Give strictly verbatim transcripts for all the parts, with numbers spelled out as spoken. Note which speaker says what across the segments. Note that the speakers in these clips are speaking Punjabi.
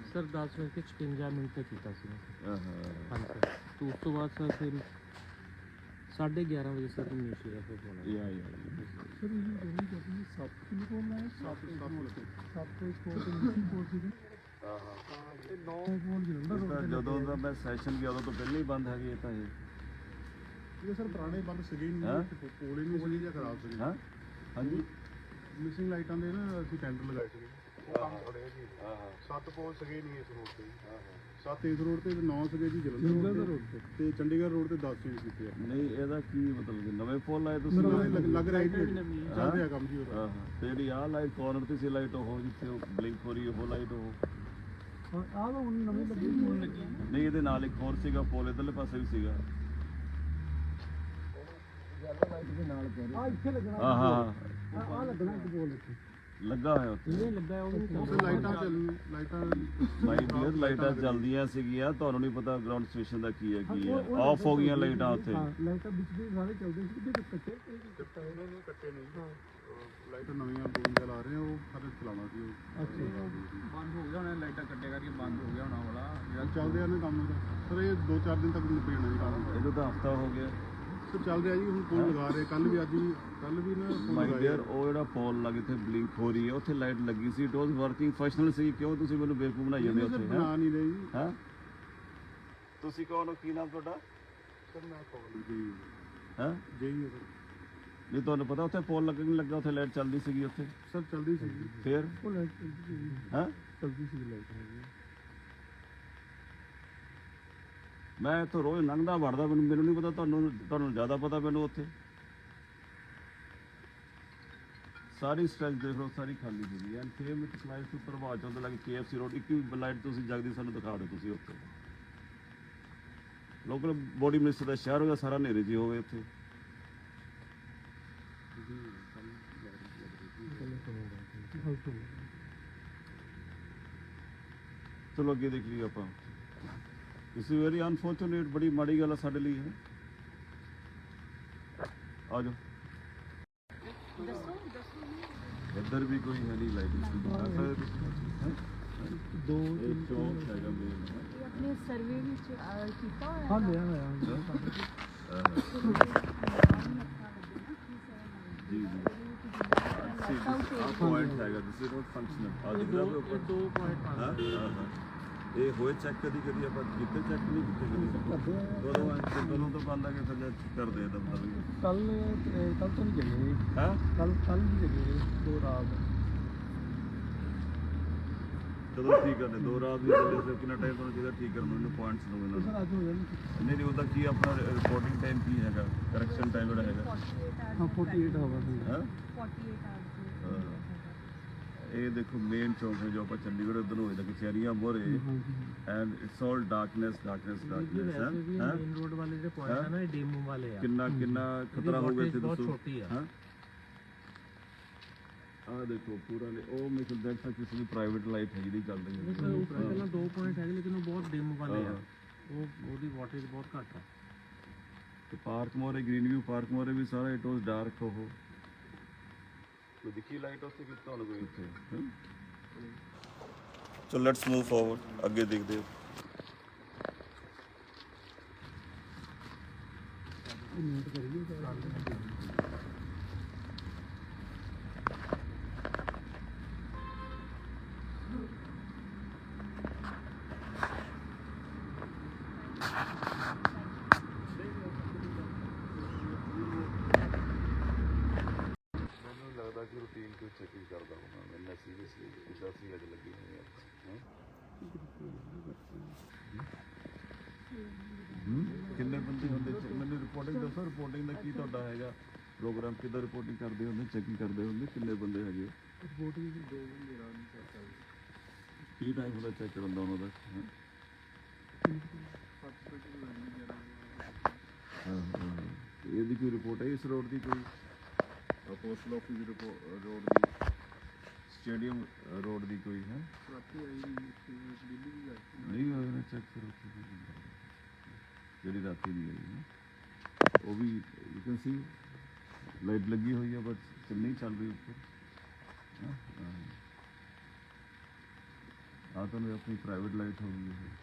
Speaker 1: सर दस बज के छपंजा मिनट तक किया सी
Speaker 2: हाँ
Speaker 1: हाँ सर। तो उस तो बाद सर फिर साढ़े ग्यारह बजे सर नीचे का फिर फोन
Speaker 2: या या
Speaker 3: सर ये दोनों कहते हैं सात किलो फोन आया सात सात फोन तो नहीं फोन सी
Speaker 2: हाँ हाँ
Speaker 3: ਇਹ ਨੌ ਫੋਨ ਜਲੰਧਰ
Speaker 2: ਜਦੋਂ ਦਾ ਮੈਂ ਸੈਸ਼ਨ ਗਿਆ ਉਦੋਂ ਤੋਂ ਪਹਿਲਾਂ ਹੀ ਬੰਦ ਹੈਗੀ ਇਹ ਤਾਂ ਇਹ
Speaker 3: ਇਹ ਸਰ ਪੁਰਾਣੇ ਬੰਦ ਸੀਗੇ ਹੀ
Speaker 2: ਹੈਂ?
Speaker 3: ਨਹੀਂ ਕੋਲੇ ਨਹੀਂ ਸੀਗੇ ਜਾਂ ਖਰਾਬ ਸੀਗੇ
Speaker 2: ਹਾਂ ਹਾਂਜੀ
Speaker 3: ਮਿਸਿੰਗ ਲਾਈਟਾਂ ਦੇ ਨਾ ਅਸੀਂ ਟੈਂਡਰ ਲਗਾਏ ਸੀਗੇ ਉਹ ਕੰਮ ਖੜੇ ਜੀ
Speaker 2: ਹਾਂ ਹਾਂ
Speaker 3: ਸੱਤ ਪੋਲ ਸੀਗੇ ਨਹੀਂ ਇਸ ਰੋਡ ਤੇ ਜੀ।
Speaker 2: ਹਾਂ ਹਾਂ
Speaker 3: ਸੱਤ ਇਸ ਰੋਡ ਤੇ ਨੌ ਸੀਗੇ ਜੀ ਜਲੰਧਰ ਰੋਡ ਤੇ ਤੇ ਚੰਡੀਗੜ੍ਹ ਰੋਡ ਤੇ ਦਸ ਚੇਂਜ ਕੀਤੇ ਆ
Speaker 2: ਨਹੀਂ ਇਹਦਾ ਕੀ ਮਤਲਬ ਕਿ ਨਵੇਂ ਫੋਨ ਲਾਏ ਤੁਸੀਂ
Speaker 3: ਮੈਨੂੰ ਇਹ ਲੱਗ- ਲੱਗ ਰਿਹਾ ਜੀ ਚੱਲ ਰਿਹਾ ਕੰਮ ਜੀ ਉਹਦਾ
Speaker 2: ਹਾਂ ਹਾਂ ਤੇ ਜਿਹੜੀ ਆਹ ਲਾਈਟ ਕਾਰਨਰ ਤੇ ਸੀ ਲਾਈਟ ਉਹ ਜਿੱਥੇ ਉਹ ਬਲਿੰਕ ਹੋ ਰਹੀ ਹੈ ਉਹ ਲਾਈਟ ਉਹ
Speaker 3: ਆਹ ਤਾਂ ਹੁਣ ਨਵੀਂ ਲੱਗੀ ਹੁਣ ਲੱਗੀ
Speaker 2: ਨਹੀਂ ਇਹਦੇ ਨਾਲ ਇੱਕ ਹੋਰ ਸੀਗਾ ਪੋਲ ਇਧਰਲੇ ਪਾਸੇ ਵੀ ਸੀਗਾ
Speaker 3: ਆ ਇੱਥੇ ਲੱਗਣਾ
Speaker 2: ਹਾਂ ਹਾਂ
Speaker 3: ਆ ਲੱਗਣਾ ਇੱਕ ਬੋਲ ਇੱਥੇ
Speaker 2: ਲੱਗਾ ਹੋਇਆ ਉੱਥੇ
Speaker 1: नहीं लग गया वो भी नहीं
Speaker 3: ਉੱਥੇ ਲਾਈਟਾਂ ਚੱਲ ਲਾਈਟਾਂ
Speaker 2: ਮਾਈ ਡੀਅਰ ਲਾਈਟਾਂ ਚੱਲਦੀਆਂ ਸੀਗੀਆਂ ਤੁਹਾਨੂੰ ਨਹੀਂ ਪਤਾ ਗਰਾਊਂਡ ਸਟੇਸ਼ਨ ਦਾ ਕੀ ਹੈ ਕੀ ਹੈ ਆਫ ਹੋ ਗਈਆਂ ਲਾਈਟਾਂ ਉੱਥੇ
Speaker 3: ਹਾਂ ਲਾਈਟਾਂ ਵਿੱਚ ਵੀ ਸਾਰੇ ਚੱਲਦੇ ਸੀ ਕਿਤੇ ਕੱਟੇ ਕੱਟੇ ਨਹੀਂ ਕੱਟੇ ਨਹੀਂ ਹਾਂ ਲਾਈਟਾਂ ਨਵੀਆਂ ਬੂੰਦਾਂ ਲਾ ਰਹੇ ਆ ਉਹ ਸਾਰੇ ਚਲਾਉਣਾ ਸੀ ਉਹ ਅੱਛਾ
Speaker 1: बंद हो गया होना लाइटा कट्टे करके बंद हो गया होना वाला
Speaker 3: ਜਿਹੜਾ ਚੱਲਦੇ ਆ ਨੇ ਕੰਮ ਦਾ ਸਰ ਇਹ ਦੋ ਚਾਰ ਦਿਨ ਤੱਕ ਨਿਪਟ ਜਾਣਾ ਜੀ ਕੰਮ
Speaker 2: ਇਹਨੂੰ ਤਾਂ ਹਫਤਾ ਹੋ ਗਿਆ
Speaker 3: ਸਰ ਚੱਲ ਰਿਹਾ ਜੀ ਹੁਣ ਫੋਨ ਲਗਾ ਰਹੇ ਕੱਲ ਵੀ ਅੱਜ ਵੀ ਕੱਲ ਵੀ ਨਾ ਫੋਨ
Speaker 2: ਮਾਈ
Speaker 3: ਲਗਾਇਆ
Speaker 2: ਡੀਅਰ ਉਹ ਜਿਹੜਾ ਪੋਲ ਲੱਗ ਇੱਥੇ ਬਲਿੰਕ ਹੋ ਰਹੀ ਹੈ ਉੱਥੇ ਲਾਈਟ ਲੱਗੀ ਸੀ ਇਟ ਵਾਸ ਵਰਕਿੰਗ ਫੰਕਸ਼ਨਲ ਸੀ ਕਿਉਂ ਤੁਸੀਂ ਮੈਨੂੰ ਬੇਵਕੂਫ ਬਣਾਈ ਜਾਂਦੇ ਉੱਥੇ ਹੈ
Speaker 3: ਬਣਾ ਨਹੀਂ ਰਹੀ ਜੀ
Speaker 2: ਹੈ ਤੁਸੀਂ ਕੌਣ ਹੋ ਕੀ ਨਾਮ ਤੁਹਾਡਾ
Speaker 3: ਸਰ ਮੈਂ ਕਾਲ ਜੀ
Speaker 2: ਹੈ
Speaker 3: ਜੀ ਹੈ ਸਰ
Speaker 2: ਨਹੀਂ ਤੁਹਾਨੂੰ ਪਤਾ ਉੱਥੇ ਪੋਲ ਲੱਗ ਨਹੀਂ ਲੱਗਾ ਉੱਥੇ ਲਾਈਟ ਚੱਲਦੀ ਸੀਗੀ ਉੱਥੇ
Speaker 3: ਸਰ ਚੱਲਦੀ ਸੀ ਜੀ
Speaker 2: ਫੇਰ
Speaker 3: ਉਹ ਲਾਈਟ ਚੱਲਦੀ ਸੀ
Speaker 2: ਹੈ
Speaker 3: ਚੱਲਦੀ ਸੀ ਲਾਈਟ
Speaker 2: ਮੈਂ ਇੱਥੋਂ ਰੋਜ਼ ਲੰਘਦਾ ਵੜਦਾ ਮੈਨੂੰ ਮੈਨੂੰ ਨਹੀਂ ਪਤਾ ਤੁਹਾਨੂੰ ਤੁਹਾਨੂੰ ਜ਼ਿਆਦਾ ਪਤਾ ਮੈਨੂੰ ਉੱਥੇ ਸਾਰੀ ਸਟ੍ਰੈਚ ਦੇਖ ਲਓ ਸਾਰੀ ਖਾਲੀ ਸੀਗੀ ਐਂਡ ਫੇਮ ਇਟ ਸਲਾਈਸ ਟੂ ਪ੍ਰਭਾਤ ਚੌਂਕ ਲੱਗੇ ਕੇ ਐਫ ਸੀ ਰੋਡ ਇੱਕ ਵੀ ਲਾਈਟ ਤੁਸੀਂ ਜਗਦੀ ਸਾਨੂੰ ਦਿਖਾ ਦਿਓ ਤੁਸੀਂ ਉੱਥੇ ਲੋਕਲ ਬੋਡੀ ਮਿਨਿਸਟਰ ਦਾ ਸ਼ਹਿਰ ਹੋ ਗਿਆ ਸਾਰਾ ਹਨੇਰੇ ਜੀ ਹੋਵੇ ਉੱਥੇ ਚਲੋ ਅੱਗੇ ਦੇਖ ਲਈਏ ਆਪਾਂ ਇਸ ਵੈਰੀ ਅਨਫੋਰਚੂਨੇਟ ਬੜੀ ਮਾੜੀ ਗੱਲ ਆ ਸਾਡੇ ਲਈ ਹੈ ਆ ਜਾਓ ਇੱਧਰ ਵੀ ਕੋਈ ਹੈ ਨਹੀਂ ਲਾਈਟ ਇਸ
Speaker 3: ਦੋ
Speaker 2: ਇਹ ਚੌਂਕ ਹੈਗਾ ਮੇਨ
Speaker 4: ਆਪਣੇ ਸਰਵੇ ਵਿੱਚ ਕੀਤਾ ਹੋਇਆ
Speaker 3: ਹਾਂ ਲਿਆ ਹੋਇਆ
Speaker 2: ਜੀ ਜੀ ਆ ਪੁਆਇੰਟ ਹੈਗਾ ਦਿਸ ਇਜ਼ ਨਾਟ ਫੰਕਸ਼ਨਲ ਆ ਜਿਹੜਾ ਵੀ ਉੱਪਰ
Speaker 1: दो पॉइंट
Speaker 2: ਹਾਂ ਹਾਂ ਹਾਂ ਇਹ ਹੋਏ ਚੈੱਕ ਕਦੀ ਕਦੀ ਆਪਾਂ ਕਿਤੇ ਚੈੱਕ ਨਹੀਂ ਕੀਤੇ ਕਦੀ ਦੋਨੋਂ ਐਂ ਦੋਨੋਂ ਤੋਂ ਬੰਦ ਆ ਕੇ ਫਿਰ ਕਰਦੇ ਆ ਦਮ ਦਮ
Speaker 3: ਕੱਲ ਕੱਲ ਤੋਂ ਨਹੀਂ ਚੱਲੇ
Speaker 2: ਹਾਂ
Speaker 3: ਕੱਲ ਕੱਲ ਨਹੀਂ ਚੱਲੇ ਦੋ ਰਾਤ
Speaker 2: ਕਦੋਂ ਠੀਕ ਕਰਨੇ ਦੋ ਰਾਤ ਵੀ ਚੱਲੇ ਫਿਰ ਕਿੰਨਾ ਟਾਈਮ ਤੁਹਾਨੂੰ ਚਾਹੀਦਾ ਠੀਕ ਕਰਨ ਨੂੰ ਇਹਨੂੰ ਪੁਆਇੰਟਸ ਨੂੰ ਇਹਨਾਂ
Speaker 3: ਸਰ ਅੱਜ ਹੋ ਜਾਣੀ
Speaker 2: ਨੂੰ ਨਹੀਂ ਨਹੀਂ ਉਹਦਾ ਕੀ ਆਪਣਾ ਰਿਪੋਰਟਿੰਗ ਟਾਈਮ ਕੀ ਹੈਗਾ ਕਰੈਕਸ਼ਨ ਟਾਈਮ ਜਿਹੜਾ ਹੈਗਾ
Speaker 3: ਹਾਂ ਅੜਤਾਲੀ ਆਵਰ
Speaker 2: ਹਾਂ
Speaker 4: forty-eight hours
Speaker 2: ਹਾਂ। ਇਹ ਦੇਖੋ ਮੇਨ ਚੌਂਕ ਹੈ ਜੋ ਆਪਾਂ ਚੰਡੀਗੜ੍ਹ ਉਧਰ ਨੂੰ ਹੋਏ ਕਚਹਿਰੀਆਂ ਮੋਰੇ and it's all darkness darkness darkness ਹੈ
Speaker 1: मेन रोड वाले जो पॉइंट है ना ये डेमो वाले हैं
Speaker 2: ਕਿੰਨਾ ਕਿੰਨਾ ਖਤਰਾ ਹੋਊਗਾ ਇੱਥੇ
Speaker 1: बहुत
Speaker 2: ਦੱਸੋ
Speaker 1: छोटी है
Speaker 2: ਹਾਂ ਆ ਦੇਖੋ ਪੂਰਾ ਨੇ ਉਹ ਮੇਰੇ ਕੋਲ ਦੇਖਾ ਕਿਸੇ ਦੀ ਪ੍ਰਾਈਵੇਟ ਲਾਈਫ ਹੈ ਜਿਹੜੀ ਚੱਲ ਰਹੀ
Speaker 1: सर
Speaker 2: ਹੈ
Speaker 1: ऊपर पहला दो पॉइंट है लेकिन वो बहुत डेमो वाले
Speaker 2: हाँ।
Speaker 1: हैं वो ਉਹਦੀ ਵਾਟੇਜ ਬਹੁਤ ਘੱਟ ਹੈ
Speaker 2: ਤੇ ਪਾਰਕ ਮੋਰੇ ਗ੍ਰੀਨ ਵਿਊ ਪਾਰਕ ਮੋਰੇ ਵੀ ਸਾਰਾ ਇਟ ਵਾਸ ਡਾਰਕ ਉਹ ਕੋਈ ਦਿਖੀ ਲਾਈਟ ਉੱਥੇ ਕਿ ਤੁਹਾਨੂੰ ਕੋਈ ਇੱਥੇ ਚਲੋ ਲੈਟਸ ਮੂਵ ਫਾਰਵਰਡ ਅੱਗੇ ਦੇਖਦੇ ਹਾਂ
Speaker 3: ਨੋਟ ਕਰੀਏ
Speaker 2: ਮੈਨੂੰ ਲੱਗਦਾ ਕਿ ਰੂਟੀਨ ਕੋਈ ਚੈਕਿੰਗ ਕਰਦਾ ਹੋਣਾ ਮੈਨੂੰ ਸੀਰੀਅਸਲੀ ਇਦਾਂ ਸੀ ਅੱਜ ਲੱਗੀ ਹੋਈ ਹੈ ਕਿੰਨੇ ਬੰਦੇ ਹੁੰਦੇ ਚ- ਮੈਨੂੰ ਰਿਪੋਰਟਿੰਗ ਦੱਸੋ ਰਿਪੋਰਟਿੰਗ ਦਾ ਕੀ ਤੁਹਾਡਾ ਹੈਗਾ ਪ੍ਰੋਗਰਾਮ ਕਿੱਦਾਂ ਰਿਪੋਰਟਿੰਗ ਕਰਦੇ ਹੁੰਦੇ ਚੈਕਿੰਗ ਕਰਦੇ ਹੁੰਦੇ ਕਿੰਨੇ ਬੰਦੇ ਹੈਗੇ
Speaker 3: ਰਿਪੋਰਟਿੰਗ ਦੋ ਬੰਦੇ ਰਾਤ ਨੂੰ ਚੈੱਕ ਕਰਦੇ
Speaker 2: ਕੀ ਟਾਈਮ ਹੁੰਦਾ ਚੈੱਕ ਕਰਨ ਦਾ ਉਹਨਾਂ ਦਾ ਹੈਂ?
Speaker 3: ਸੱਤ ਵਜੇ ਲੱਗਣੀ ਜਰਾ
Speaker 2: ਹਾਂ ਹਾਂ ਇਹਦੀ ਕੋਈ ਰਿਪੋਰਟ ਹੈ ਇਸ ਰੋਡ ਦੀ ਕੋਈ ਪੋਸਟਲ ਆਫਿਸ ਦੀ ਰੋਡ ਦੀ ਸਟੇਡੀਅਮ ਰੋਡ ਦੀ ਕੋਈ ਹੈ
Speaker 3: ਰਾਤੀ ਆਈ ਦਿੱਲੀ ਵੀ ਗਈ
Speaker 2: ਨਹੀਂ ਹੋਇਆ ਨਾ ਚੈੱਕ ਕਰੋ ਜਿਹੜੀ ਰਾਤੀ ਨਹੀਂ ਆਈ ਨਾ ਉਹ ਵੀ ਯੂ ਕੈਨ ਸੀ ਲਾਈਟ ਲੱਗੀ ਹੋਈ ਹੈ ਬਟ ਨਹੀਂ ਚੱਲ ਰਹੀ ਉੱਪਰ
Speaker 3: ਆ ਤੁਹਾਨੂੰ ਆਪਣੀ ਪ੍ਰਾਈਵੇਟ ਲਾਈਟ ਹੋ ਗਈ ਇਹ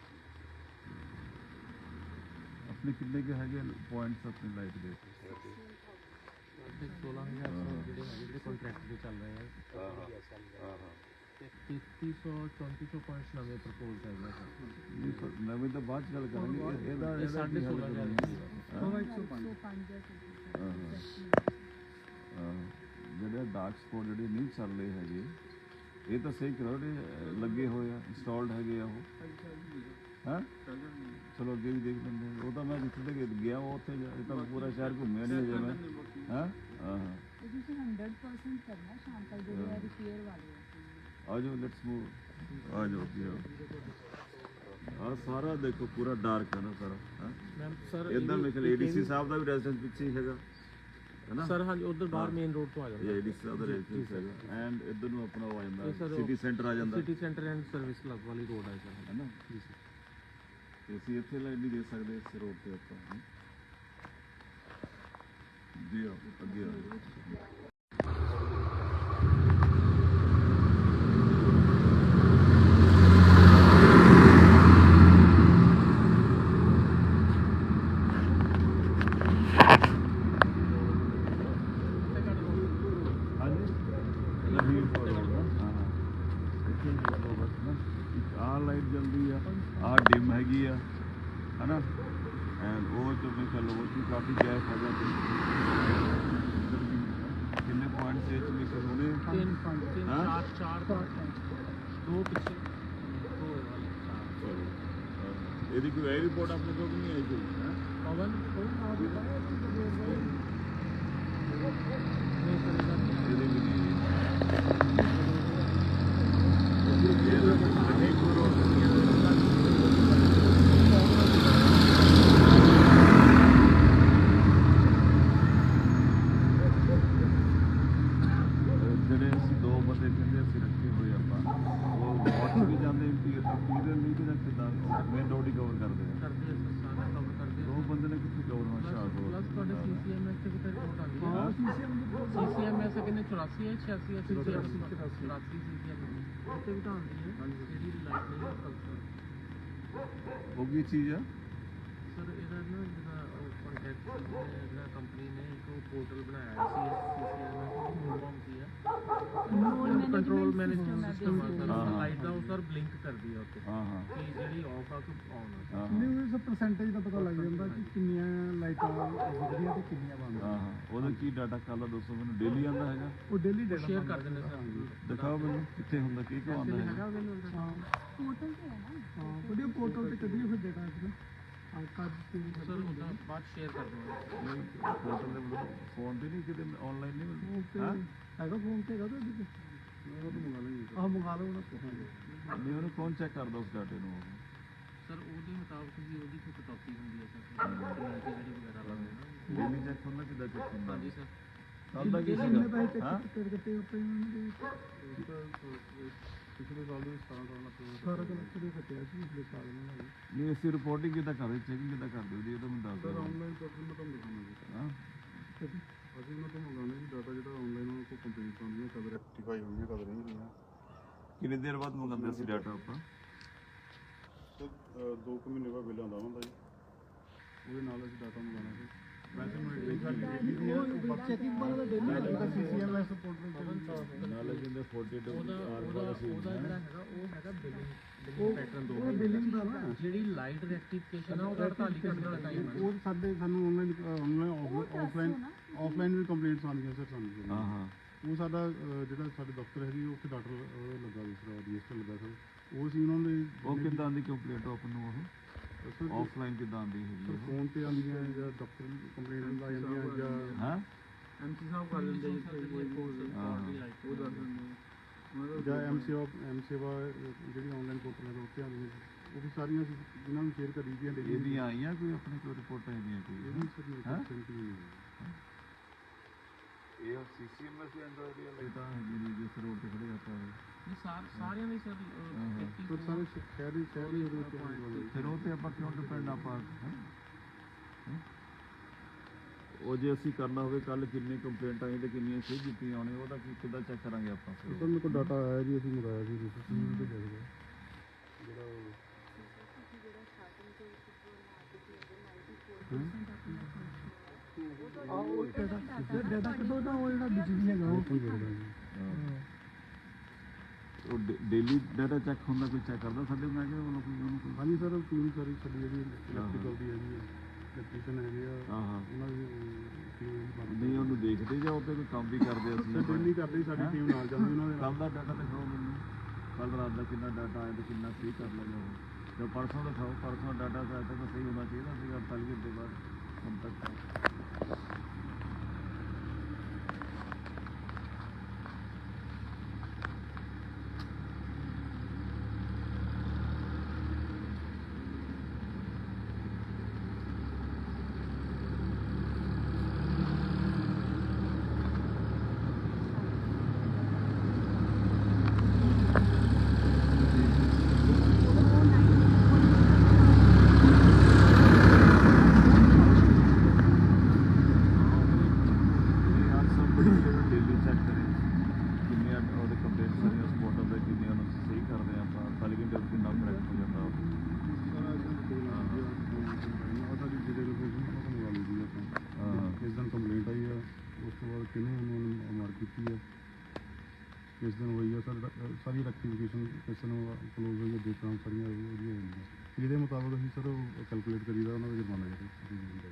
Speaker 3: ਆਪਣੇ ਕਿੰਨੇ ਕੁ ਹੈਗੇ ਪੁਆਇੰਟਸ ਆਪਣੀ ਲਾਈਟ ਦੇ
Speaker 1: ਤੇ ਸੋਲਾਂ ਹਜ਼ਾਰ ਸੌ ਜਿਹੜੇ ਹੈਗੇ ਜਿਹੜੇ ਕੰਟਰੈਕਟ ਦੇ ਚੱਲ ਰਹੇ ਆ
Speaker 3: ਹਾਂ ਹਾਂ ਹਾਂ
Speaker 1: ਤੇ ਤੇਤੀ ਸੌ ਚੌਂਤੀ ਸੌ ਪੁਆਇੰਟਸ ਨਵੇਂ ਪ੍ਰਪੋਜ਼ ਹੈਗੇ ਸਰ
Speaker 3: ਨਹੀਂ ਪਰ ਨਵੇਂ ਤਾਂ ਬਾਅਦ ਚ ਗੱਲ ਕਰਾਂਗੇ ਇਹ- ਇਹਦਾ
Speaker 1: ਇਹ
Speaker 3: ਇਹਦਾ
Speaker 1: ਸਾਢੇ
Speaker 3: ਕੀ ਹੱਲ
Speaker 1: ਸੋਲਾਂ ਹਜ਼ਾਰ
Speaker 3: ਕਰਨਾ?
Speaker 4: ਸੌ ਇੱਕ ਸੌ ਪੰਜ
Speaker 3: ਹਾਂ ਹਾਂ ਜਿਹੜੇ ਡਾਰਕ ਸਪੌਟ ਜਿਹੜੇ ਨਹੀਂ ਚੱਲ ਰਹੇ ਹੈਗੇ ਇਹ ਤਾਂ ਸਹੀ ਕਰੋ ਜਿਹੜੇ ਲੱਗੇ ਹੋਏ ਆ ਇੰਸਟਾਲਡ ਹੈਗੇ ਆ ਉਹ ਹਾਂ ਚਲੋ ਅੱਗੇ ਵੀ ਦੇਖ ਲੈਂਦੇ ਹਾਂ। ਉਹ ਤਾਂ ਮੈਂ ਜਿੱਥੇ ਤੱਕ ਗਿਆ ਉਹ ਉੱਥੇ ਜਾ- ਇਹ ਤਾਂ ਪੂਰਾ ਸ਼ਹਿਰ ਘੁੰਮਿਆ ਨਹੀਂ ਅਜੇ ਮੈਂ ਹਾਂ ਹਾਂ ਹਾਂ
Speaker 4: ਇਹ ਤੁਸੀਂ ਹੰਡਰਡ ਪਰਸੈਂਟ ਕਰਨਾ ਸ਼ਾਮ ਤੱਕ ਜਿਹੜੇ ਆ ਰਿਪੇਅਰ ਵਾਲੇ ਆ
Speaker 3: ਆ ਜਾਓ ਲੈਟਸ ਮੂਵ ਆ ਜਾਓ ਕੀ ਆ ਸਾਰਾ ਦੇਖੋ ਪੂਰਾ ਡਾਰਕ ਹੈ ਨਾ ਸਾਰਾ ਹਾਂ
Speaker 1: ਮੈਮ ਸਰ
Speaker 3: ਇਦਾਂ ਮੇਰੇ ਖਿਆਲ ਏਡੀਸੀ ਸਾਹਿਬ ਦਾ ਵੀ ਰੈਜ਼ੀਡੈਂਸ ਪਿੱਛੇ ਹੀ ਹੈਗਾ ਹੈ ਨਾ
Speaker 1: ਸਰ ਹਾਂਜੀ ਉਧਰ ਬਾਹਰ ਮੇਨ ਰੋਡ ਤੋਂ ਆ ਜਾਂਦਾ
Speaker 3: ਇਹ ਏਡੀਸੀ ਸਾਹਿਬ ਦਾ ਰੈਜ਼ੀਡੈਂਸ ਹੈਗਾ ਐਂਡ ਇੱਧਰ ਨੂੰ ਆਪਣਾ ਉਹ ਆ
Speaker 1: ਇਹ
Speaker 3: ਜਾਂਦਾ
Speaker 1: sir
Speaker 3: ਸਿਟੀ ਸੈਂਟਰ ਆ ਜਾਂਦਾ
Speaker 1: city centre and service club ਵਾਲੀ ਰੋਡ ਹੈ ਸਰ
Speaker 3: ਹੈ ਨਾ
Speaker 1: ਜੀ ਸਰ
Speaker 3: ਤੇ ਅਸੀਂ ਇੱਥੇ ਲਾਈਟ ਨਹੀਂ ਦੇ ਸਕਦੇ ਇਸ ਰੋਡ ਤੇ ਆਪਾਂ ਹੈਂ। ਜੀ ਆਓ, ਅੱਗੇ ਆਓ ਹਾਂਜੀ ਲਵੀਰ ਫੋਰ ਰੋਡ ਨਾ ਹਾਂ ਹਾਂ ਇੱਥੇ ਹੀ ਆ ਲਓ ਬਸ ਨਾ ਇੱਕ ਆਹ ਲਾਈਟ ਜਲਦੀ ਆ ਆਹ ਡਿਮ ਹੈਗੀ ਆ ਹਨਾ ਐਂਡ ਉਹ ਤੋਂ ਮੈਂ ਚੱਲੋ ਉਹ 'ਚ ਵੀ ਕਾਫੀ ਗੈਪ ਹੈਗਾ ਤੇ ਇੱਧਰ ਵੀ ਕਿੰਨੇ ਪੁਆਇੰਟਸ ਇਹ 'ਚ ਵੀ ਸਰ ਹੋਣੇ
Speaker 1: ਤਿੰਨ ਪੰਜ ਤਿੰਨ
Speaker 3: ਹਾਂ?
Speaker 1: ਚਾਰ ਚਾਰ ਦੋ ਪਿੱਛੇ ਦੋ ਵਾਲੇ ਚਾਰ
Speaker 3: ਚਲੋ ਅਹ ਇਹਦੀ ਕੋਈ ਇਹ ਰਿਪੋਰਟ ਆਪਣੇ ਕੋਲ ਨਹੀਂ ਆਈ ਕੋਈ ਹੈਂ?
Speaker 1: ਪਵਨ ਨਹੀਂ ਸਰ ਇਹਦਾ
Speaker 3: ਇਹਦੀ ਵੀ ਨਹੀਂ ਇਹ ਤਾਂ ਨਹੀਂ ਕੋਈ ਰੋਡ ਨਹੀਂ ਹੈ ਜਿਹੜੇ ਅਸੀਂ ਦੋ ਬੰਦੇ ਕਹਿੰਦੇ ਅਸੀਂ ਰੱਖੇ ਹੋਏ ਆਪਾਂ ਉਹ ਵਾਟ ਵੀ ਜਾਂਦੇ ਇੰਪੀਰੀਅਲ ਨਹੀਂ ਕਿ ਕਿਦਾਂ ਮੇਨ ਰੋਡ ਹੀ ਕਵਰ ਕਰਦੇ ਆ
Speaker 1: ਕਰਦੇ ਆ ਸਰ ਸਾਰਾ ਕਵਰ ਕਰਦੇ
Speaker 3: ਦੋ ਬੰਦੇ ਨੇ ਕਿੱਥੇ ਕਵਰ ਹੋਣਾ ਸ਼ਾਹ
Speaker 1: ਪਲੱਸ ਤੁਹਾਡੇ ਸੀਸੀਐਮਐਸ ਤੇ ਕਿਤੇ ਰਿਪੋਰਟ ਆਉਂਦੀ ਹੈ
Speaker 3: ਹਾਂ
Speaker 1: ਸੀਸੀਐਮਐਸ ਕਿੰਨੇ ਚੁਰਾਸੀ ਹੈ ਛਿਆਸੀ ਹੈ ਚੁਰਾਸੀ ਚੁਰਾਸੀ ਸੀਸੀਐਮਐਸ ਉੱਤੇ ਵੀ ਤਾਂ ਆਉਂਦੀ ਹੈ ਜਿਹੜੀ ਲਾਈਟ ਨਹੀਂ ਫੰਕਸ਼ਨ
Speaker 3: ਉਹ ਕੀ ਚੀਜ਼ ਆ
Speaker 1: ਸਰ ਇਹਦਾ ਨਾ ਜਿਹੜਾ ਕੰਟੈਕਟ ਜਿਹੜਾ ਕੰਪਨੀ ਨੇ ਇੱਕ ਪੋਰਟਲ ਬਣਾਇਆ ਸੀ ਸੀਸੀਐਮਐਸ ਮੂਵਮ ਕੀ ਹੈ ਕੰਟਰੋਲ ਮੈਨੇਜਮੈਂਟ ਸਿਸਟਮ ਆ ਸਰ
Speaker 3: ਹਾਂ।
Speaker 1: ਲਾਈਟ ਦਾ ਉਹ ਸਰ ਬਲਿੰਕ ਕਰਦੀ ਹੈ ਉੱਤੇ
Speaker 3: ਹਾਂ ਹਾਂ
Speaker 1: ਕਿ ਜਿਹੜੀ ਆਫ ਆ ਕਿ ਆਨ ਆ
Speaker 3: ਹਾਂ
Speaker 5: ਨਹੀਂ ਉਸ ਪਰਸੈਂਟੇਜ ਦਾ ਪਤਾ ਲੱਗ ਜਾਂਦਾ ਕਿ ਕਿੰਨੀਆਂ ਲਾਈਟਾਂ ਵਿਕਦੀਆਂ ਤੇ ਕਿੰਨੀਆਂ ਬੰਦ
Speaker 3: ਹਾਂ ਹਾਂ ਉਹਦਾ ਕੀ ਡਾਟਾ ਕਾਲਾ ਦੱਸੋ ਮੈਨੂੰ ਡੇਲੀ ਆਉਂਦਾ ਹੈਗਾ
Speaker 5: ਉਹ ਡੇਲੀ ਡੇਟਾ
Speaker 1: ਸ਼ੇਅਰ ਕਰ ਦਿੰਦੇ ਸਰ
Speaker 3: ਦਿਖਾਓ ਮੈਨੂੰ ਕਿੱਥੇ ਹੁੰਦਾ ਕੀ ਕੀ ਆਉਂਦਾ
Speaker 1: ਹੈਗਾ
Speaker 3: ਹੈਗਾ
Speaker 1: available ਸਰ?
Speaker 5: ਹਾਂ
Speaker 4: ਪੋਰਟਲ ਤੇ ਹੈ ਨਾ
Speaker 5: ਹਾਂ ਵੀਡੀਓ ਪੋਰਟਲ ਤੇ ਕੱਢੀਏ ਫਿਰ ਡੇਟਾ ਇਸ ਆ ਕੱਢ ਕੇ
Speaker 1: ਸਰ ਉਹਦਾ ਬਾਅਦ ਸ਼ੇਅਰ ਕਰ ਦਵਾਂਗੇ
Speaker 3: ਨਹੀਂ ਪੋਰਟਲ ਦੇ ਮਤਲਬ ਫੋਨ ਤੇ ਨਹੀਂ ਕਿਤੇ ਆਨਲਾਈਨ ਨਹੀਂ
Speaker 5: ਉਹ
Speaker 3: ਮਿਲਦਾ
Speaker 5: ਤੇ
Speaker 3: ਹਾਂ
Speaker 5: ਹੈਗਾ ਫੋਨ ਤੇ ਹੈਗਾ ਤੇ
Speaker 3: ਉਹ ਤਾਂ ਮੰਗਾ ਲਈ
Speaker 5: ਆਹ ਮੰਗਾ ਲਓ ਉਹਨਾਂ ਤੋਂ
Speaker 3: ਨਹੀਂ ਉਹਨੂੰ ਕੌਣ ਚੈੱਕ ਕਰਦਾ ਉਸ ਡਾਟੇ ਨੂੰ
Speaker 1: ਸਰ ਉਹਦੇ ਮੁਤਾਬਕ ਹੀ ਉਹਦੀ ਕੋਈ ਕਟੌਤੀ ਹੁੰਦੀ ਹੈ ਸਰ ਕਮਿਊਨਿਟੀ ਜਿਹੜੀ ਵਗੈਰਾ ਲਾਉਂਦੇ ਨਾ
Speaker 3: ਡੇਲੀ ਚੈੱਕ ਹੁੰਦਾ ਕਿੱਦਾਂ ਚੈੱਕ ਹੁੰਦਾ
Speaker 1: ਹਾਂਜੀ ਸਰ
Speaker 3: ਕੱਲ ਦਾ ਕੀ
Speaker 5: ਕਿੰਨੇ
Speaker 3: ਸੀਗਾ
Speaker 5: ਪੈਸੇ
Speaker 3: ਹਾਂ
Speaker 5: ਚੈੱਕ ਕਰਕੇ ਕੱਟੇ ਆਪਣੇ ਉਹਨਾਂ ਦੇ
Speaker 3: ਪਿਛਲੇ ਸਾਲ ਦੇ ਸਤਾਰਾਂ ਸਾਲ
Speaker 5: ਸਾਰਾ ਕੁਝ ਦੇ ਕੱਟਿਆ ਸੀ ਪਿਛਲੇ ਸਾਲ ਨਾਲ
Speaker 3: ਨਹੀਂ ਅਸੀਂ ਰਿਪੋਰਟਿੰਗ ਕਿੱਦਾਂ ਕਰਦੇ ਚੈਕਿੰਗ ਕਿੱਦਾਂ ਕਰਦੇ ਜੀ ਇਹ ਤਾਂ ਮੈਨੂੰ ਦੱਸ ਦਿਓ
Speaker 5: ਆਨਲਾਈਨ ਪ੍ਰੋਸੈਸ ਮੈਂ ਤੁਹਾਨੂੰ ਦਿਖਾਵਾਂਗਾ
Speaker 3: ਹਾਂ
Speaker 5: ਅਸੀਂ ਉਹਨਾਂ ਤੋਂ ਮੰਗਾਉਣੇ ਜੀ ਡਾਟਾ ਜਿਹੜਾ ਆਨਲਾਈਨ ਉਹਨਾਂ ਕੋਲ ਕੰਪਲੀਟ ਹੁੰਦੀਆਂ ਕਦ ਰੈਕਟੀਫਾਈ ਹੋਈਆਂ ਕਦ ਨਹੀਂ ਹੋਈਆਂ
Speaker 3: ਕਿੰਨੀ ਦੇਰ ਬਾਅਦ ਮੰਗਾਉਂਦੇ ਅਸੀਂ ਡਾਟਾ ਆਪਾਂ
Speaker 5: ਤੇ ਦੋ ਕੁ ਮਹੀਨੇ ਬਾਅਦ ਬਿੱਲ ਆਉਂਦਾ ਹੁੰਦਾ ਜੀ ਉਹਦੇ ਨਾਲ ਅਸੀਂ ਡਾਟਾ ਮੰਗਾਉਣਾ ਸੀ ਵੈਸੇ ਮੈਂ ਇੱਕ ਗੱਲ ਚੈਕਿੰਗ ਵਾਲਾ ਡੇਲੀ ਹੁੰਦਾ ਸੀਸੀਐਮਐਸ ਪੋਰਟਲ
Speaker 3: ਨਾਲੇ ਜਿੰਦੇ ਫੋਰਟੀ ਟੂ
Speaker 1: ਉਹਦਾ
Speaker 3: ਆਰ
Speaker 1: ਉਹਦਾ
Speaker 3: ਵਾਲਾ ਸੀ
Speaker 1: ਉਹਦਾ ਜਿਹੜਾ ਹੈਗਾ ਉਹ ਹੈਗਾ ਬਿਲਿੰਗ
Speaker 5: ਉਹ
Speaker 1: ਬਿਲਿੰਗ ਪੈਟਰਨ ਦੋ
Speaker 5: ਉਹ ਬਿਲਿੰਗ ਦਾ ਨਾ
Speaker 1: ਜਿਹੜੀ ਲਾਈਟ ਰੈਕਟੀਫਿਕੇਸ਼ਨ ਆ ਉਹਦਾ ਅੜਤਾਲੀ ਘੰਟੇ ਦਾ ਟਾਈਮ ਹੈ
Speaker 5: ਉਹ ਸਾਡੇ ਸਾਨੂੰ ਆਨਲਾਈਨ ਆਨਲਾਈਨ ਆਫਲਾਈਨ ਆਫਲਾਈਨ ਵੀ ਕੰਪਲੇਂਟਸ ਆਉਂਦੀਆਂ ਸਰ ਸਾਨੂੰ
Speaker 3: ਹਾਂ ਹਾਂ
Speaker 5: ਉਹ ਸਾਡਾ ਅਹ, ਜਿਹੜਾ ਸਾਡੇ ਦਫ਼ਤਰ ਹੈਗੀ ਉਹ ਕਿ ਡਾਕਟਰ ਲੱਗਾ ਦੂਸਰਾ ਰਜਿਸਟਰ ਲੱਗਾ ਸਰ ਉਹ ਸੀ ਉਹਨਾਂ ਦੇ
Speaker 3: ਉਹ ਕਿੱਦਾਂ ਦੀ ਕੰਪਲੀਟ ਆਪ ਨੂੰ ਉਹ
Speaker 5: ਸਰ
Speaker 3: ਆਫਲਾਈਨ ਕਿੱਦਾਂ ਆਉਂਦੀ ਹੈਗੀ ਉਹ?
Speaker 5: ਫੋਨ ਤੇ ਆਉਂਦੀਆਂ ਜਾਂ ਡਾਕਟਰ ਕੰਪਲੇਂਟ ਆ ਜਾਂਦੀਆਂ ਜਾਂ
Speaker 3: ਹਾਂ
Speaker 1: ਐਮਸੀ ਸਾਹਿਬ ਕਰ ਦਿੰਦੇ ਜੀ ਕੋਈ ਕੋਰਸ
Speaker 3: ਹਾਂ।
Speaker 1: ਲਾਈਟ ਉਹ ਦੱਸ ਦਿੰਦੇ
Speaker 5: ਜਾਂ ਐਮ ਸੇਵਾ ਐਮ ਸੇਵਾ ਅਹ, ਜਿਹੜੀ ਆਨਲਾਈਨ ਪੋਰਟਲ ਹੈ ਉੱਤੇ ਆਉਂਦੀਆਂ ਉਹ ਵੀ ਸਾਰੀਆਂ ਅਸੀਂ ਇਹਨਾਂ ਨੂੰ ਸ਼ੇਅਰ ਕਰੀ ਦੀਆਂ ਡੇਲੀ
Speaker 3: ਇਹਦੀਆਂ ਆਈਆਂ ਕੋਈ ਆਪਣੇ ਕੋਲ ਰਿਪੋਰਟਾਂ ਇਹਦੀਆਂ ਕੋਈ
Speaker 5: ਇਹਦੀ ਸਰ ਮੇਰੇ
Speaker 3: ਹੈਂ?
Speaker 5: ਕੋਲ sent ਨਹੀਂ ਹੋਈ।
Speaker 3: ਇਹ ਸੀਸੀਐਮਐਸ ਦੇ ਅੰਦਰ ਇਹ ਤਾਂ ਜਿਹੜੀ ਜਿਸ ਰੋਡ ਤੇ ਖੜੇ ਆਪਾਂ
Speaker 1: ਨਹੀਂ ਸਾਰ ਸਾਰਿਆਂ ਦੀ ਸਰ
Speaker 5: ਪਰ ਸਾਰੇ ਸ਼- ਸ਼ਹਿਰੀ ਸ਼ਹਿਰੀ ਉਹਦੇ ਉੱਤੇ ਆਉਣ ਵਾਲੇ।
Speaker 3: ਫਿਰ ਉਹ ਤੇ ਆਪਾਂ ਕਿਉਂ ਡਿਪੈਂਡ ਆਪਾਂ ਹੈਂ? ਹੈਂ? ਉਹ ਜੇ ਅਸੀਂ ਕਰਨਾ ਹੋਵੇ ਕੱਲ ਕਿੰਨੀ ਕੰਪਲੇਂਟ ਆਈ ਤੇ ਕਿੰਨੀਆਂ ਸਹੀ ਕੀਤੀਆਂ ਹੋਣੇ ਉਹਦਾ ਕੀ ਕਿੱਦਾਂ ਚੈੱਕ ਕਰਾਂਗੇ ਆਪਾਂ
Speaker 5: ਸਰ ਮੇਰੇ ਕੋਲ ਡਾਟਾ ਆਇਆ ਜੀ ਅਸੀਂ ਮੰਗਾਇਆ ਸੀ ਤੁਸੀਂ ਤੇ ਜਾਏਗਾ
Speaker 1: ਡਾਟਾ ਕੱਢੋ ਤਾਂ ਉਹ ਜਿਹੜਾ ਬਿਜਲੀ ਹੈਗਾ ਉਹ
Speaker 3: ਉਹ ਡੇਲੀ ਡਾਟਾ ਚੈੱਕ ਹੁੰਦਾ, ਕੋਈ ਚੈੱਕ ਕਰਦਾ ਸਾਡੇ ਮੈਂ ਕਿਹਾ ਉਹਨੂੰ ਕੋਈ ਉਹਨੂੰ ਕੋਈ
Speaker 5: ਹਾਂਜੀ ਸਰ ਟੀਮ ਸਾਰੀ ਸਾਡੀ ਜਿਹੜੀ ਇਲੈਕਟ੍ਰੀਕਲ ਦੀ ਹੈਗੀ ਹੈ ਇਲੈਕਟ੍ਰੀਸ਼ੀਅਨ ਹੈਗੇ ਆ
Speaker 3: ਹਾਂ ਹਾਂ
Speaker 5: ਉਹਨਾਂ ਦੀ ਟੀਮ ਬਣਦੀ
Speaker 3: ਨਹੀਂ ਉਹਨੂੰ ਦੇਖਦੇ ਜਾਂ ਉੱਤੇ ਕੋਈ ਕੰਮ ਵੀ ਕਰਦੇ ਅਸੀਂ
Speaker 5: ਸਰ ਡੇਲੀ ਕਰਦੀ ਸਾਡੀ ਟੀਮ ਨਾਲ ਜਾਂਦੀ ਉਹਨਾਂ ਦੇ ਨਾਲ।
Speaker 3: ਕੱਲ ਦਾ ਡਾਟਾ ਦਿਖਾਓ ਮੈਨੂੰ, ਕੱਲ ਰਾਤ ਦਾ ਕਿੰਨਾ ਡਾਟਾ ਆਇਆ ਤੇ ਕਿੰਨਾ ਸਹੀ ਕਰ ਲਿਆ ਜਾਵੇ। ਜੋ ਪਰਸੋਂ ਦਿਖਾਓ, ਪਰਸੋਂ ਡਾਟਾ ਤਾਂ ਤੱਕ ਸਹੀ ਹੋਣਾ ਚਾਹੀਦਾ ਸੀਗਾ ਅੜਤਾਲੀ ਘੰਟੇ ਬਾਅਦ ਹੁਣ ਤੱਕ। ਡੇਲੀ ਚੈੱਕ ਕਰੇ ਕਿੰਨੀਆਂ ਉਹਦੇ ਕੰਪਲੇਂਟ ਸਾਰੀਆਂ ਉਸ ਮੋਟਰ ਦੇ ਕਿੰਨੀਆਂ ਨੂੰ ਸਹੀ ਕਰਦੇ ਆਪਾਂ ਅੜਤਾਲੀ ਘੰਟੇ ਵਿੱਚ ਕਿੰਨਾ ਕਰੈਕਟ ਹੋ ਜਾਂਦਾ ਉਹ।
Speaker 5: ਸਾਡੀ ਜਿਹੜੇ ਲੋਕੇਸ਼ਨ ਉਹ ਤੋਂ ਮੰਗਾ ਲਈ ਆਪਾਂ
Speaker 3: ਹਾਂ
Speaker 5: ਕਿਸ ਦਿਨ ਕੰਪਲੇਂਟ ਆਈ ਆ ਉਸ ਤੋਂ ਬਾਅਦ ਕਿਹਨੂੰ ਉਹਨੂੰ ਮਾਰ ਕੀਤੀ ਆ ਕਿਸ ਦਿਨ ਹੋਈ ਆ ਸਰ ਸਾਰੀ ਰੈਕਟੀਫਿਕੇਸ਼ਨ ਕਿਸ ਨੂੰ ਕਲੋਜ਼ ਹੋਈ ਆ ਡੇਟਾਂ ਸਾਰੀਆਂ ਉਹਦੀਆਂ ਹੁੰਦੀਆਂ ਇਹਦੇ ਮੁਤਾਬਕ ਅਸੀਂ ਸਰ ਉਹ ਕੈਲਕੂਲੇਟ ਕਰੀਦਾ ਉਹਨਾਂ ਦਾ ਜੁਰਮਾਨਾ ਜਿਹੜਾ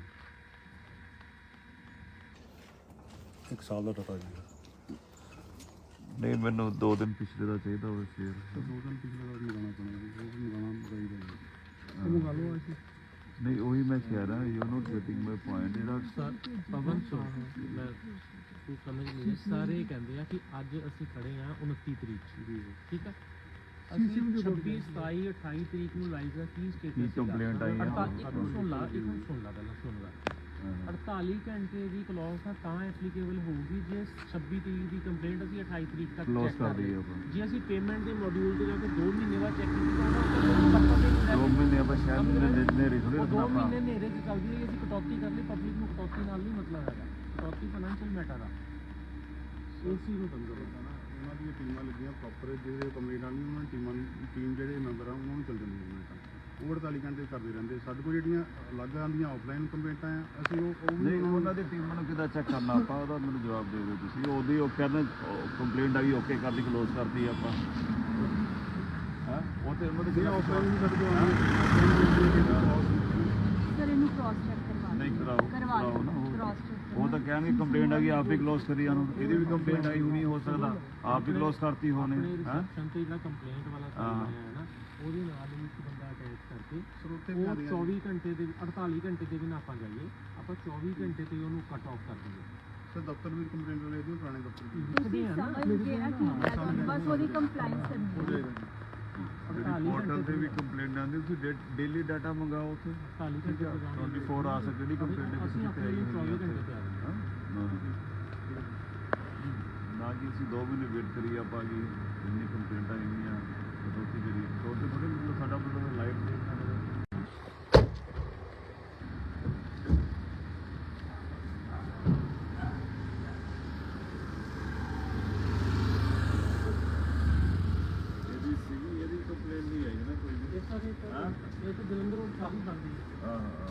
Speaker 5: ਇੱਕ ਸਾਲ ਦਾ ਡਾਟਾ ਜੀ।
Speaker 3: ਨਹੀਂ ਮੈਨੂੰ ਦੋ ਦਿਨ ਪਿਛਲੇ ਦਾ ਚਾਹੀਦਾ ਹੋਵੇ ਫੇਰ
Speaker 5: ਤੇ ਦੋ ਦਿਨ ਪਿਛਲੇ ਦਾ ਮੰਗਾਉਣਾ ਪੈਣਾ ਜੀ ਉਹ ਵੀ ਮੰਗਾਉਣਾ ਚਾਹੀਦਾ ਜੀ। ਉਹ ਮੰਗਾ ਲਓ ਅਸੀਂ
Speaker 3: ਨਹੀਂ ਉਹੀ ਮੈਂ ਕਹਿ ਰਿਹਾ you not getting my point. ਜਿਹੜਾ
Speaker 1: ਪਵਨ ਸੋ ਮੈਂ ਤੂੰ ਸਮਝ ਨਹੀਂ, ਸਾਰੇ ਕਹਿੰਦੇ ਆ ਕਿ ਅੱਜ ਅਸੀਂ ਖੜੇ ਆ ਉਨੱਤੀ ਤਰੀਕ
Speaker 5: ਜੀ
Speaker 1: ਠੀਕ ਹੈ, ਅਸੀਂ ਛੱਬੀ ਸਤਾਈ ਅਠਾਈ ਤਰੀਕ ਨੂੰ ਲਾਈਵ ਦਾ ਕੀ
Speaker 3: ਕੀ
Speaker 1: ਸਟੇਟਸ
Speaker 3: ਕੰਪਲੇਂਟ ਆਈ ਆ
Speaker 1: ਇੱਕ ਨੂੰ ਸੁਣ ਲਾ ਇੱਕ ਨੂੰ ਸੁਣ ਲਾ ਪਹਿਲਾਂ ਸੁਣ ਲਾ ਅੜਤਾਲੀ ਘੰਟੇ ਦੀ ਕਲੌਜ਼ ਤਾਂ ਐਪਲੀਕੇਬਲ ਹੋਊਗੀ ਜੇ ਛੱਬੀ ਤਰੀਕ ਦੀ ਕੰਪਲੇਂਟ ਅਸੀਂ ਅਠਾਈ ਤਰੀਕ ਤੱਕ
Speaker 3: ਕਲੋਜ਼
Speaker 1: ਚੈੱਕ
Speaker 3: ਕਰ
Speaker 1: ਕਰ
Speaker 3: ਦਈਏ
Speaker 1: ਲਈਏ।
Speaker 3: ਆਪਾਂ
Speaker 1: ਜੇ ਅਸੀਂ ਪੇਮੈਂਟ ਦੇ ਮੋਡਿਊਲ ਤੇ ਜਾ ਕੇ ਦੋ ਮਹੀਨੇ ਬਾਅਦ ਚੈੱਕ ਕੀਤੀ ਤਾਂ ਉਹਦਾ ਪਤਾ ਨਹੀਂ
Speaker 3: ਦੋ ਮਹੀਨੇ ਆਪਾਂ ਸ਼ਾਇਦ ਨੇ ਨੇਰੇ ਥੋੜੇ
Speaker 1: ਉਹ
Speaker 3: ਰੱਖਣਾ
Speaker 1: ਦੋ
Speaker 3: ਆਪਾਂ।
Speaker 1: ਮਹੀਨੇ ਨੇਰੇ ਚ ਚੱਲਦੀ ਹੈ, ਅਸੀਂ ਕਟੌਤੀ ਕਰ ਲਈ ਪਬਲਿਕ ਨੂੰ ਕਟੌਤੀ ਨਾਲ ਨਹੀਂ ਮਤਲਬ ਹੈਗਾ, ਕਟੌਤੀ ਫਾਈਨੈਂਸ਼ੀਅਲ ਮੈਟਰ ਆ ਇਸ ਚੀਜ਼ ਨੂੰ ਸਮਝੋ।
Speaker 5: ਉਹਨਾਂ ਦੀਆਂ ਟੀਮਾਂ ਲੱਗੀਆਂ ਪ੍ਰੋਪਰ ਜਿਹੜੇ ਕੰਪਲੇਂਟ ਆਉਣੀ ਉਹਨਾਂ ਦੀ ਟੀਮਾਂ ਟੀਮ ਜਿਹੜੇ ਮੈਂਬਰ ਆ ਉਹਨਾਂ ਨੂੰ ਚੱਲ ਜਾਂਦੀਆਂ ਕੰਪਲੇਂਟਾਂ ਉਹ ਅੜਤਾਲੀ ਘੰਟੇ ਕਰਦੇ ਰਹਿੰਦੇ। ਸਾਡੇ ਕੋਲ ਜਿਹੜੀਆਂ ਅਲੱਗ ਆਉਂਦੀਆਂ ਆਫਲਾਈਨ ਕੰਪਲੇਂਟਾਂ ਆ ਅਸੀਂ ਉਹ ਉਹ ਵੀ
Speaker 3: ਨਹੀਂ ਉਹਨਾਂ ਦੀ ਟੀਮਾਂ ਨੂੰ ਕਿੱਦਾਂ ਚੈੱਕ ਕਰਨਾ ਆਪਾਂ ਉਹਦਾ ਮੈਨੂੰ ਜਵਾਬ ਦੇ ਦਿਓ ਤੁਸੀਂ। ਉਹਦੀ ਉਹ ਕਹਿੰਦੇ ਕੰਪਲੇਂਟ ਆਈ ਓਕੇ ਕਰਦੀ ਕਲੋਜ਼ ਕਰਦੀ ਆਪਾਂ ਹਾਂ ਉਹ ਤੇ ਉਹਨਾਂ ਦੇ
Speaker 5: ਆਫਲਾਈਨ ਵੀ ਸਾਡੇ ਕੋਲ ਆਉਂਦੀ
Speaker 4: ਸਰ ਇਹਨੂੰ ਕ੍ਰਾਸ ਚੈੱਕ ਕਰਵਾ
Speaker 3: ਨਹੀਂ ਕਰਾਓ
Speaker 4: ਕਰਵਾ
Speaker 3: ਕਰਾਓ ਨਾ ਉਹ-
Speaker 4: ਕ੍ਰਾਸ ਚੈੱਕ
Speaker 3: ਉਹ ਤਾਂ ਕਹਿਣਗੇ ਕੰਪਲੇਂਟ ਆ ਗਈ ਆਪ ਹੀ ਕਲੋਜ਼ ਕਰੀ ਜਾਣ। ਇਹਦੀ ਵੀ ਕੰਪਲੇਂਟ ਆਈ ਹੋਣੀ ਹੋ ਸਕਦਾ ਆਪ ਹੀ ਕਲੋਜ਼ ਕਰਤੀ ਹੋਣੇ
Speaker 1: ਆਪਣੇ
Speaker 3: ਹਾਂ
Speaker 1: ਰਿਸੈਪਸ਼ਨ ਤੇ ਜਿਹੜਾ ਕੰਪਲੇਂਟ ਵਾਲਾ
Speaker 3: ਹਾਂ।
Speaker 1: ਸਾਈਨ ਹੈ ਨਾ ਉਹਦੇ ਨਾਲ ਹੀ ਇੱਕ ਬੰਦਾ ਅਟੈਚ ਕਰਕੇ
Speaker 5: ਸਰੋਤੇ
Speaker 1: ਉਹ
Speaker 5: ਵੀ ਆਉਂਦੀਆਂ
Speaker 1: ਚੌਵੀ ਘੰਟੇ ਦੇ ਅੜਤਾਲੀ ਘੰਟੇ ਦੇ ਵੀ ਨਾ ਆਪਾਂ ਜਾਈਏ, ਆਪਾਂ ਚੌਵੀ ਘੰਟੇ ਤੇ ਉਹਨੂੰ ਕੱਟ ਆਫ ਕਰ ਦਈਏ।
Speaker 5: ਸਰ ਦਫ਼ਤਰ ਵਿੱਚ ਕੰਪਲੇਂਟ ਵਾਲੇ ਇਹਦੇ ਪੁਰਾਣੇ ਦਫ਼ਤਰ ਦੀ
Speaker 4: ਤੁਸੀਂ ਸਮਝ ਗਏ ਆ ਕੀ ਹੈ, ਬਸ ਉਹਦੀ ਕੰਪਲਾਈਂਸ ਕਰਨੀ ਹੈ।
Speaker 1: ਅੜਤਾਲੀ
Speaker 3: ਪੋਰਟਲ
Speaker 1: ਘੰਟੇ
Speaker 3: ਤੇ ਵੀ ਕੰਪਲੇਂਟ ਆਉਂਦੀ ਤੁਸੀਂ ਡੇਲੀ ਡਾਟਾ ਮੰਗਾਓ ਉੱਥੇ
Speaker 1: ਅੜਤਾਲੀ ਘੰਟੇ ਤੇ ਜਾਣਾ।
Speaker 3: ਚੌਵੀ ਆਵਰਸ ਜਿਹੜੀ ਕੰਪਲੇਂਟ
Speaker 1: ਅਸੀਂ
Speaker 3: ਕਿਸੇ ਤੇ
Speaker 1: ਆਪਣੇ
Speaker 3: ਆਈ
Speaker 1: ਲਈ
Speaker 3: ਹੋਈ
Speaker 1: ਚੌਵੀ
Speaker 3: ਹੈ
Speaker 1: ਘੰਟੇ ਤੇ ਆ ਜਾਂਦੇ ਹਾਂ।
Speaker 3: ਨਾ ਕਿ ਅਸੀਂ ਦੋ ਮਹੀਨੇ ਵੇਟ ਕਰੀ ਆਪਾਂ ਕਿ ਇੰਨੀ ਕੰਪਲੇਂਟਾਂ ਇੰਨੀਆਂ ਕਟੌਤੀ ਕਰੀ ਕਟੌਤੀ ਥੋੜੀ ਮਤਲਬ ਸਾਡਾ ਮਤਲਬ ਲਾਈਫ ਦੇ ਇਹਦੀ ਸੀਗੀ ਇਹਦੀ ਕੰਪਲੇਂਟ ਨਹੀਂ ਆਈ ਨਾ ਕੋਈ ਵੀ
Speaker 1: ਇਸ ਤਰ੍ਹਾਂ ਇਹ ਤਾਂ- ਇਹ ਤਾਂ ਜਲੰਧਰ ਰੋਡ ਸਾਰੀ ਬਣਦੀ ਹੈ।
Speaker 3: ਹਾਂ ਹਾਂ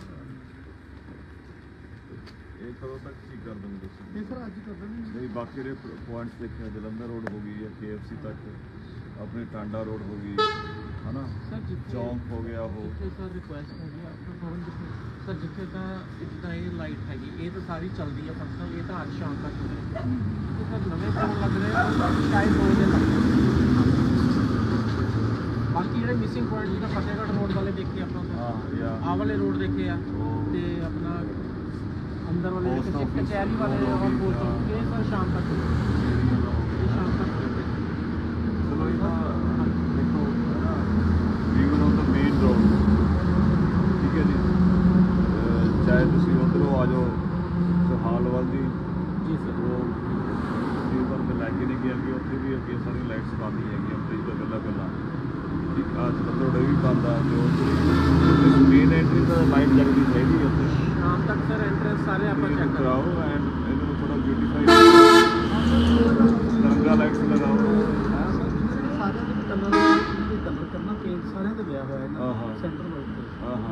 Speaker 3: ਇਹ ਕਦੋਂ ਤੱਕ ਠੀਕ ਕਰ ਦੋਗੇ ਤੁਸੀਂ
Speaker 5: ਇਹ ਸਰ ਅੱਜ ਕਰ ਦਿੰਦੇ
Speaker 3: ਨਹੀਂ ਬਾਕੀ ਜਿਹੜੇ ਪੁਆਇੰਟਸ ਦੇਖਿਆ ਜਲੰਧਰ ਰੋਡ ਹੋ ਗਈ ਜਾਂ ਕੇ ਐਫ ਸੀ ਤੱਕ ਆਪਣੇ ਟਾਂਡਾ ਰੋਡ ਹੋ ਗਈ ਹਨਾ
Speaker 1: ਸਰ ਜਿੱਥੇ
Speaker 3: ਚੌਂਕ ਹੋ ਗਿਆ ਉਹ
Speaker 1: ਜਿੱਥੇ ਸਰ ਰਿਕੁਐਸਟ ਹੈਗੀ ਆ ਆਪਣਾ ਫੋਨ ਜਿੱਥੇ ਸਰ ਜਿੱਥੇ ਤਾਂ ਇੱਕ ਤਾਂ ਇਹ ਲਾਈਟ ਹੈਗੀ ਇਹ ਤਾਂ ਸਾਰੀ ਚੱਲਦੀ ਹੈ ਫੰਕਸ਼ਨਲ ਇਹ ਤਾਂ ਅੱਜ ਸ਼ਾਮ ਤੱਕ ਚੱਲੇਗੀ ਤੇ ਸਰ ਨਵੇਂ ਫੋਨ ਲੱਗ ਰਹੇ ਆ ਉਹ ਸ਼ਾਇਦ ਦੋ ਦਿਨ ਲੱਗ ਜਾਣ। ਬਾਕੀ ਜਿਹੜੇ ਮਿਸਿੰਗ ਪੁਆਇੰਟ ਜਿੱਦਾਂ ਫਤਿਹਗੜ੍ਹ ਰੋਡ ਵਾਲੇ ਦੇਖੇ ਆਪਾਂ
Speaker 3: ਹਾਂ ਜਾਂ
Speaker 1: ਆਹ ਵਾਲੇ ਰੋਡ ਦੇਖੇ ਆ
Speaker 3: ਉਹ
Speaker 1: ਤੇ ਆਪਣਾ ਅੰਦਰ ਵਾਲੇ
Speaker 3: Post
Speaker 1: ਜਿਹੜੇ
Speaker 3: office,
Speaker 1: ਕਚਹਿਰੀ ਵਾਲੇ
Speaker 3: road
Speaker 1: ਔਰ
Speaker 3: office,
Speaker 1: ਪੋਸਟ
Speaker 3: ਹਾਂ।
Speaker 1: ਇਹ ਸਰ ਸ਼ਾਮ ਤੱਕ ਇਹ ਸ਼ਾਮ ਤੱਕ
Speaker 3: ਚਲੋ ਇਹ ਤਾਂ ਦੇਖੋ even on the main road ਠੀਕ ਹੈ ਜੀ ਅਹ ਚਾਹੇ ਤੁਸੀਂ ਉੱਧਰੋਂ ਆ ਜਾਓ ਸੁਹਾਲ ਵੱਲ ਦੀ
Speaker 1: ਜੀ ਸਰ
Speaker 3: ਉਹ ਈਵਨ ਦੇ ਲਾਗੇ ਨਹੀਂ ਗਿਆ ਕਿ ਉੱਥੇ ਵੀ ਅੱਗੇ ਸਾਰੀ ਲਾਈਟਸ ਬੰਦ ਹੈਗੀਆਂ ਬ੍ਰਿਜ ਤੋਂ ਗੱਲਾਂ ਗੱਲਾਂ ਠੀਕ ਆ ਜਲੰਧਰ ਰੋਡ ਵੀ ਬੰਦ ਆ ਤੇ ਉੱਥੇ ਮੇਨ ਐਂਟਰੀ ਤਾਂ ਲਾਈਟ ਜਗਦੀ ਚਾਹੀਦੀ ਹੈ ਉੱਥੇ
Speaker 1: ਸ਼ਾਮ ਤੱਕ ਸਰ ਐਂਟਰੈਂਸ ਸਾਰੇ ਆਪਾਂ
Speaker 3: ਤੁਸੀਂ
Speaker 1: ਚੈੱਕ ਕਰਾਓ
Speaker 3: ਕਰਾਓ ਐਂਡ ਇਹਨੂੰ ਥੋੜਾ ਬਿਊਟੀਫਾਈ ਤਿਰੰਗਾ ਲਾਈਟਸ ਲਗਾਓ
Speaker 1: ਸਾਰਿਆਂ ਦੇ ਕਲਰ ਕਲਰ ਕਰਨਾ ਪੇਂਟ ਸਾਰਿਆਂ ਦੇ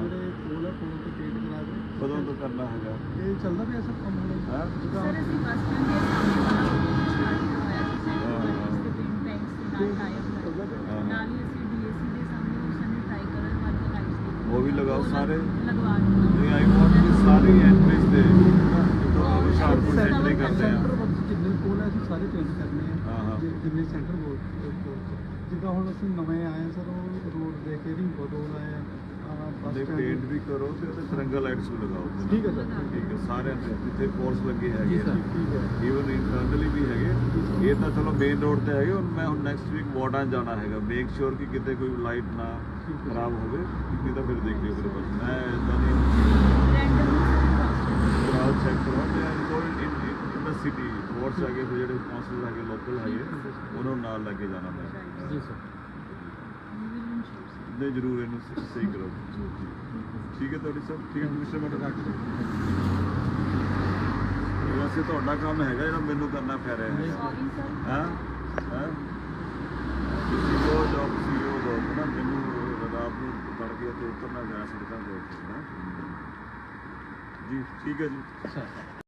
Speaker 5: ਜਿਹੜੇ ਕੋਲ ਹੈ ਕੋਲ ਤੇ ਪੇਂਟ ਕਰਾ ਕੇ
Speaker 3: ਕਦੋਂ ਤੋਂ ਕਰਨਾ ਹੈਗਾ
Speaker 5: ਇਹ ਚੱਲਦਾ ਪਿਆ ਸਭ ਕੰਮ ਹੁਣ
Speaker 3: ਹਾਂ
Speaker 4: ਸਰ ਅਸੀਂ ਬੱਸ ਸਟੈਂਡ ਦੇ ਸਾਹਮਣੇ ਵਾਲਾ ਸਟਾਰਟ ਹੋਇਆ ਸੀ ਸੈਂਟਰ ਇਸ ਦੇ ਪਿੰਡ ਬੈਂਕਸ ਦੇ ਨਾਲ ਟਾਈਪ
Speaker 5: ਚੱਲਦਾ ਪਿਆ
Speaker 4: ਨਾਲ ਹੀ ਅਸੀਂ ਡੀਏਸੀ ਦੇ ਸਾਹਮਣੇ ਉਸ ਨੇ ਟਰਾਈ ਕਰਨ ਵਾਲੀ ਲਾਈਟਸ
Speaker 3: ਉਹ ਵੀ ਲਗਾਓ ਸਾਰੇ
Speaker 4: ਲਗਵਾ ਦਿੱਤੀ
Speaker 3: ਨਹੀਂ ਆਈ ਵਾਂਟ ਕਿ ਸਾਰੀ ਐਂਟਰੀਜ਼ ਦੇ ਜਦੋਂ ਹੁਸ਼ਿਆਰਪੁਰ ਐਂਟਰੀ ਕਰਦੇ ਆ
Speaker 5: ਸੈਂਟਰ ਵਿੱਚ ਜਿੰਨੇ ਕੋਲ ਹੈ ਅਸੀਂ ਸਾਰੇ ਪੇਂਟ ਕਰਨੇ
Speaker 3: ਹਾਂ, ਹਾਂ।
Speaker 5: ਆ ਜਿ- ਜਿੰਨੇ ਸੈਂਟਰ ਕੋਲ ਜਿੱਦਾਂ ਹੁਣ ਅਸੀਂ ਨਵੇਂ ਆਏ ਹਾਂ ਸਰ ਉਹ ਰੋਡ ਦੇ ਕੇ ਰਿੰਗੋ ਰੋਡ ਆਏ ਆ ਆਹ ਬੱਸ
Speaker 3: ਦੇ
Speaker 5: ਸਟੈਂਡ
Speaker 3: ਪੇਂਟ ਵੀ ਕਰੋ ਤੇ ਉਹਦੇ ਤਿਰੰਗਾ ਲਾਈਟਸ ਵੀ ਲਗਾਓ ਉਹਦੇ ਨਾਲ।
Speaker 5: ਠੀਕ ਹੈ ਸਰ
Speaker 3: ਠੀਕ ਹੈ ਸਾਰਿਆਂ ਦੇ ਜਿੱਥੇ ਪੋਲਸ ਲੱਗੇ ਹੈਗੇ ਆ
Speaker 5: ਠੀਕ ਹੈ
Speaker 3: ਈਵਨ ਇੰਟਰਨਲੀ ਵੀ ਹੈਗੇ ਇਹ ਤਾਂ ਚਲੋ ਮੇਨ ਰੋਡ ਤੇ ਹੈਗੇ ਹੁਣ ਮੈਂ ਹੁਣ ਨੈਕਸਟ ਵੀਕ ਵਾਰਡਾਂ ਜਾਣਾ ਹੈਗਾ ਮੇਕ ਸ਼ੋਰ ਕਿ ਕਿਤੇ ਕੋਈ ਲਾਈਟ ਨਾ ਖਰਾਬ ਹੋਵੇ ਨਹੀਂ ਤਾਂ ਫਿਰ ਦੇਖ ਲਿਓ ਫਿਰ ਬਸ ਮੈਂ ਇਦਾਂ ਨਹੀਂ ਕਰਾਉਡ ਚੈੱਕ ਕਰੋ ਤੇ ਕੋਈ ਇਨ ਇਨ ਦਾ ਸਿਟੀ ਵਾਰਡਸ ਹੈਗੇ ਫਿਰ ਜਿਹੜੇ ਕਾਉਂਸਲਰ ਹੈਗੇ ਲੋਕਲ ਹੈਗੇ ਉਹਨਾਂ ਨੂੰ ਨਾਲ ਲੈ ਕੇ ਜਾਣਾ ਮੈਂ
Speaker 1: ਜੀ ਸਰ
Speaker 3: ਨਹੀਂ ਜ਼ਰੂਰ ਇਹਨੂੰ ਸ- ਸਹੀ ਕਰੋ ਠੀਕ ਹੈ ਤੁਹਾਡੀ ਸਭ ਠੀਕ ਹੈ ਮਿਸਟਰ ਮੈਡਮ ਰੱਖ ਵੈਸੇ ਤੁਹਾਡਾ ਕੰਮ ਹੈਗਾ ਜਿਹੜਾ ਮੈਨੂੰ ਕਰਨਾ ਪੈ ਰਿਹਾ ਹੈ
Speaker 4: ਸੌਰੀ ਸਰ
Speaker 3: ਹਾਂ ਹਾਂ ਤੁਸੀਂ ਉਹ ਜੌਬ ਸੀ ਉਹ ਜੌਬ ਨਾ ਮੈਨੂੰ ਰਾਤ ਨੂੰ ਤੜਕੇ ਤੇ ਉਤਰਨਾ ਜਾਣਾ ਸੜਕਾਂ ਦੇ ਉੱਤੇ ਨਾ ਜੀ ਠੀਕ ਹੈ ਜੀ
Speaker 1: ਸਰ